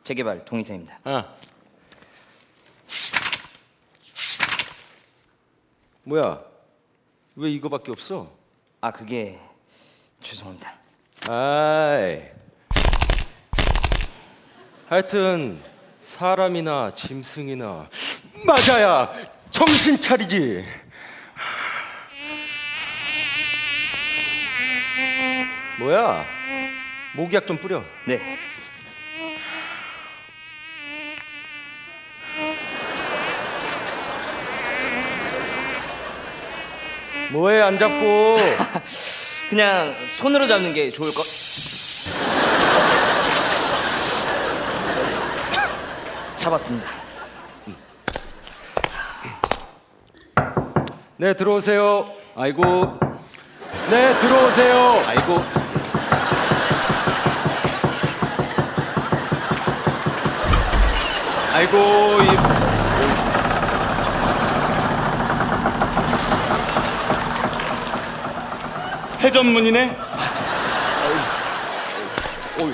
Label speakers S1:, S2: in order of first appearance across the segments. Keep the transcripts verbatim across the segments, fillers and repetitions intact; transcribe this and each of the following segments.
S1: 재개발 동의서입니다.
S2: 아. 뭐야? 왜 이거밖에 없어?
S1: 아 그게 죄송합니다.
S2: 아이. 하여튼 사람이나 짐승이나 맞아야 정신 차리지. 뭐야? 모기약 좀 뿌려.
S1: 네.
S2: 뭐해 안 잡고?
S1: 그냥 손으로 잡는 게 좋을 것. 잡았습니다.
S2: 네 들어오세요.
S3: 아이고,
S2: 네 들어오세요.
S3: 아이고. 아이고, 이 해전문이네. 어이,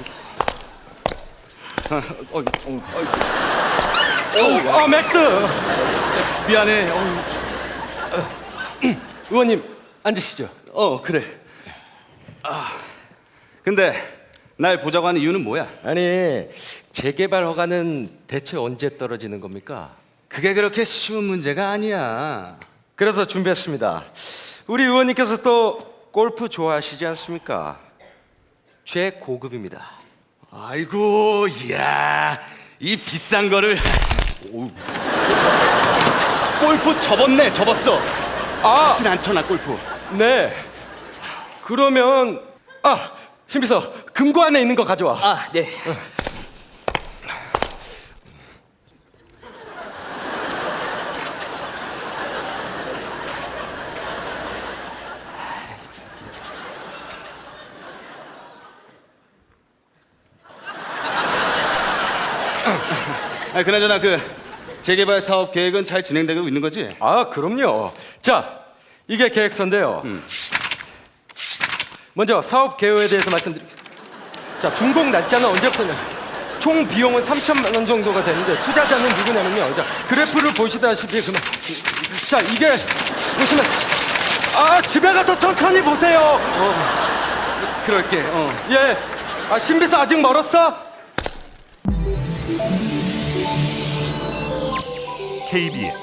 S3: 어이, 어이, 어이,
S2: 어 맥스.
S3: 미안해. 어이,
S2: 의원님 앉으시죠.
S3: 어, 그래. 아, 근데 날 보자고 하는 이유는 뭐야?
S2: 아니 재개발 허가는 대체 언제 떨어지는 겁니까?
S3: 그게 그렇게 쉬운 문제가 아니야.
S2: 그래서 준비했습니다. 우리 의원님께서 또 골프 좋아하시지 않습니까? 최고급입니다.
S3: 아이고, 이야, 이 비싼 거를. 오우. 골프 접었네, 접었어.
S2: 아,
S3: 다시는 안 쳐나 골프.
S2: 네. 그러면 아 신비서 금고 안에 있는 거 가져와.
S1: 아 네.
S3: 아, 그나저나 그 재개발 사업 계획은 잘 진행되고 있는 거지?
S2: 아 그럼요. 자 이게 계획서인데요.
S3: 음.
S2: 먼저 사업 개요에 대해서 말씀드립니다. 자 준공 날짜는 언제부터냐? 총 비용은 삼천만 원 정도가 되는데 투자자는 누구냐면요. 자 그래프를 보시다시피 그만. 자 이게 보시면 아 집에 가서 천천히 보세요.
S3: 그럴게. 어.
S2: 예. 아 신비서 아직 멀었어?
S4: 케이비에스